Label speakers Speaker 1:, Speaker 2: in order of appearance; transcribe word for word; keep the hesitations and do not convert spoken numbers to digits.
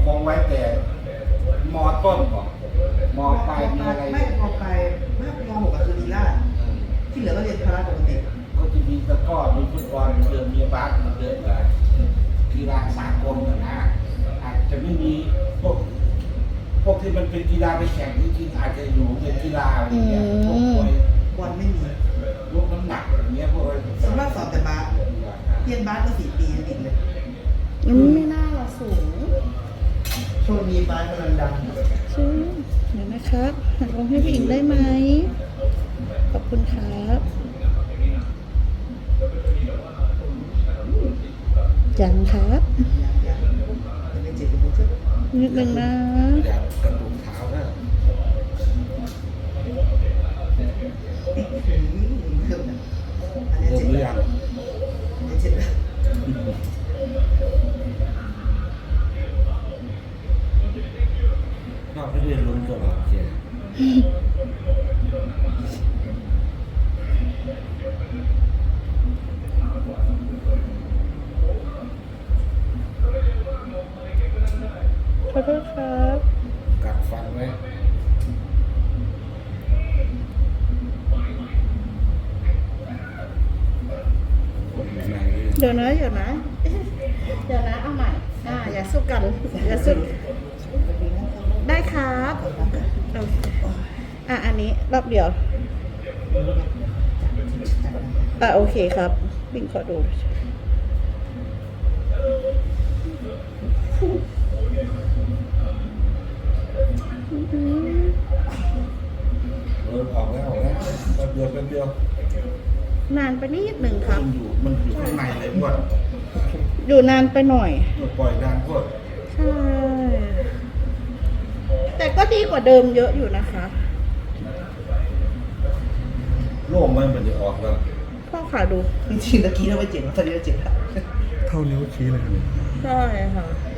Speaker 1: คงไว้แต่มอต้นก่อนมอปลายมีอะไร
Speaker 2: ไม่มอปลายไม่มอหกก็คือลีลาที่เหลือก็เรียนพละปกติ
Speaker 1: ก็จะมีตะกร้อมีฟุตบอลมีเดินมีบาสมีเดินอะไรกีฬาสากลนะนะอาจจะไม่มีพวกพวกที่มันเป็นกีฬาไปแข่งจริงๆอาจจะอยู่เป็นกีฬาอะไรเงี้ยพวกมวย
Speaker 2: บอลไม่มี
Speaker 1: ยกน้ำหนักอย่างเงี้ยพวกอะไร
Speaker 2: ส่วนมากสอนแต่บาสเรียนบาสก็สี่ปีติดเลย
Speaker 3: อืมไม่น่าละสูง
Speaker 2: ช่วงนี้บาสกำลังดัง
Speaker 3: ชื่อเดี๋ยวนะครับหัดลงให้ผู้หญิงได้ไหมขอบคุณครับยังครับ
Speaker 2: ยังไม่เจ็บเลยจ้ะ
Speaker 3: นิดนึงนะ
Speaker 1: อย่างกระตุกเท้านะ
Speaker 2: เอ๊ะเริ่มนะอันนี้
Speaker 1: เริ่ม
Speaker 2: เจ็บ
Speaker 1: หรือ
Speaker 2: แล้
Speaker 1: ยั
Speaker 2: ว
Speaker 1: ง
Speaker 2: อันนี้เจ็บแล้ว
Speaker 1: นอกไม่ได้ลุ้นก็หรอกเจ๊
Speaker 3: ขอโทษครับ
Speaker 1: กัดฟันไว้ไหน
Speaker 3: เดี๋ยวนะเดี๋ยวนะเดี๋ยวนะเอาใหม่อ่าอย่าสู้กันอย่าสู้ได้ครับโอเคอ่ะอันนี้รอบเดียวอ่ะโอเคครับบิ่งขอดู
Speaker 1: เออออกแล้วออกแล้วแป๊บเดียวแป๊บเดียวน
Speaker 3: านไปนิดหนึ่งครับ
Speaker 1: มันอยู่มันอยู่ข้างในเลยพวด
Speaker 3: อยู่นานไปหน่อย
Speaker 1: มันปล่อยนานพวด
Speaker 3: ใช่ แต่ก็ดีกว่าเดิมเยอะอยู่นะคะ
Speaker 1: โล่งมันมันจะออกแล้ว
Speaker 3: พ่อขาดู
Speaker 2: จริงๆตะกี้เราไม่เจ็บนะตอนนี้เราเจ็บแล้ว
Speaker 4: เท่านิ้วชี้เลยครับ
Speaker 3: ใช่ค่ะ